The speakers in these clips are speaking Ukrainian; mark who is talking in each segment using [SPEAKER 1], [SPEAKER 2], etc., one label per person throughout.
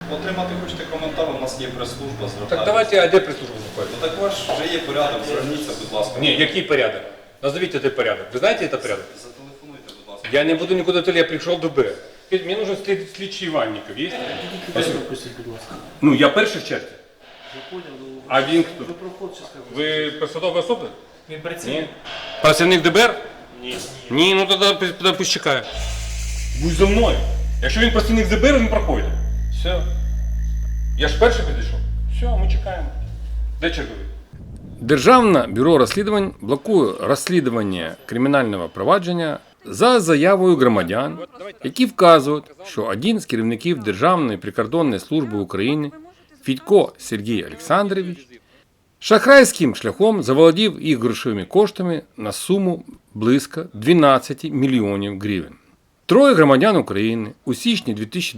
[SPEAKER 1] Отримати хочете коментар, у нас є прес-служба, звертайтеся.
[SPEAKER 2] Так давайте, а де прес-служба знаходиться?
[SPEAKER 1] Ну так ваш вже є порядок, зверніться, будь ласка.
[SPEAKER 2] Ні, який порядок? Назовите этот порядок. Вы знаете этот порядок?
[SPEAKER 1] Зателефонуйте, будь ласка.
[SPEAKER 2] Я не буду никуда туда, я пришел до Б. Мне нужен слідчий Іванников, є? Ну, я перший в черзі. А він хто? Ви посадова особа?
[SPEAKER 3] Він працює?
[SPEAKER 2] Ні. Працівник ДБР? Ні. Ні, ну тоді пусть чекає. Будь за мною. Якщо він працівник ДБР, він проходить. Все. Я ж перший підійшов. Все, ми чекаємо. Де черговий? Державне бюро розслідувань блокує розслідування кримінального провадження за заявою громадян, які вказують, що один з керівників Державної прикордонної служби України Федько Сергій Олександрович шахрайським шляхом заволодів їх грошовими коштами на суму близько 12 мільйонів гривень. Троє громадян України у січні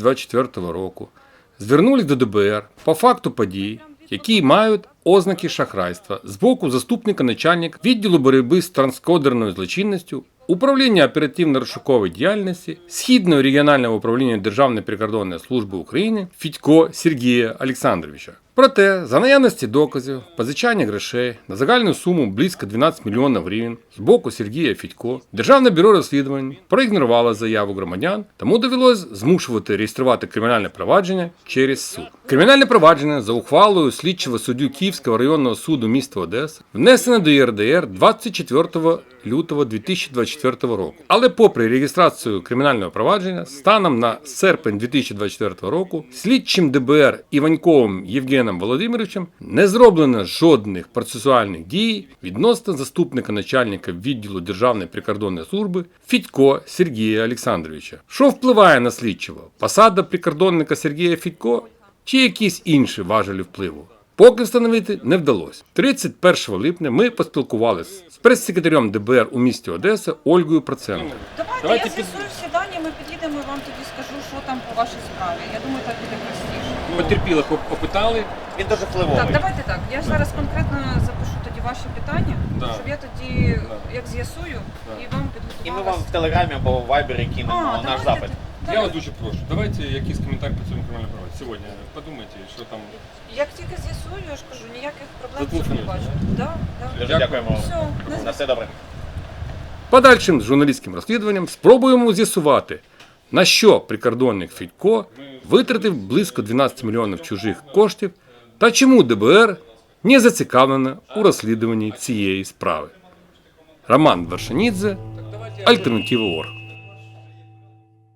[SPEAKER 2] 2024 року звернулись до ДБР по факту подій, які мають ознаки шахрайства з боку заступника начальника відділу боротьби з транскордонною злочинністю Управління оперативно-розшукової діяльності Східного регіонального управління Державної прикордонної служби України Федько Сергія Олександровича. Проте, за наявності доказів, позичання грошей на загальну суму близько 12 мільйонів гривень з боку Сергія Федько, Державне бюро розслідувань проігнорувало заяву громадян, тому довелось змушувати реєструвати кримінальне провадження через суд. Кримінальне провадження за ухвалою слідчого суддю Київського районного суду міста Одеса внесено до ЄРДР 24 лютого 2024 року. Але попри реєстрацію кримінального провадження, станом на серпень 2024 року слідчим ДБР Іваньковим Євгеном Володимировичем не зроблено жодних процесуальних дій відносно заступника начальника відділу Державної прикордонної служби Федько Сергія Олександровича. Що впливає на слідчого? Посада прикордонника Сергія Федько чи якісь інші важелі впливу? Поки встановити не вдалося. 31 липня ми поспілкувалися з прес-секретарем ДБР у місті Одеса Ольгою Проценко.
[SPEAKER 4] Давайте я з'ясую всі дані, ми підійдемо і вам тоді скажу, що там по вашій справі. Я думаю, так буде простіше.
[SPEAKER 2] Потерпілих опитали.
[SPEAKER 3] Він дуже впливовий.
[SPEAKER 4] Так, давайте так. Я зараз конкретно запишу тоді ваші питання,
[SPEAKER 2] Да.
[SPEAKER 4] щоб я тоді, як з'ясую, і вам підготувала.
[SPEAKER 3] І ми вам в Телеграмі або в Вайбері кинемо наш запит.
[SPEAKER 2] Я вас дуже прошу, давайте якийсь коментар по цьому кримінальному провадженню. Сьогодні подумайте, що там.
[SPEAKER 4] Як тільки з'ясую, я ж кажу, ніяких проблем в цьому
[SPEAKER 2] Зателефонуйте.
[SPEAKER 4] не бачу. Да, да.
[SPEAKER 3] Дуже дякуємо.
[SPEAKER 4] Все,
[SPEAKER 3] На все добре.
[SPEAKER 2] Подальшим журналістським розслідуванням спробуємо з'ясувати, на що прикордонник Федько витратив близько 12 мільйонів чужих коштів та чому ДБР не зацікавлено у розслідуванні цієї справи. Роман Вершинідзе, Альтернатива.орг.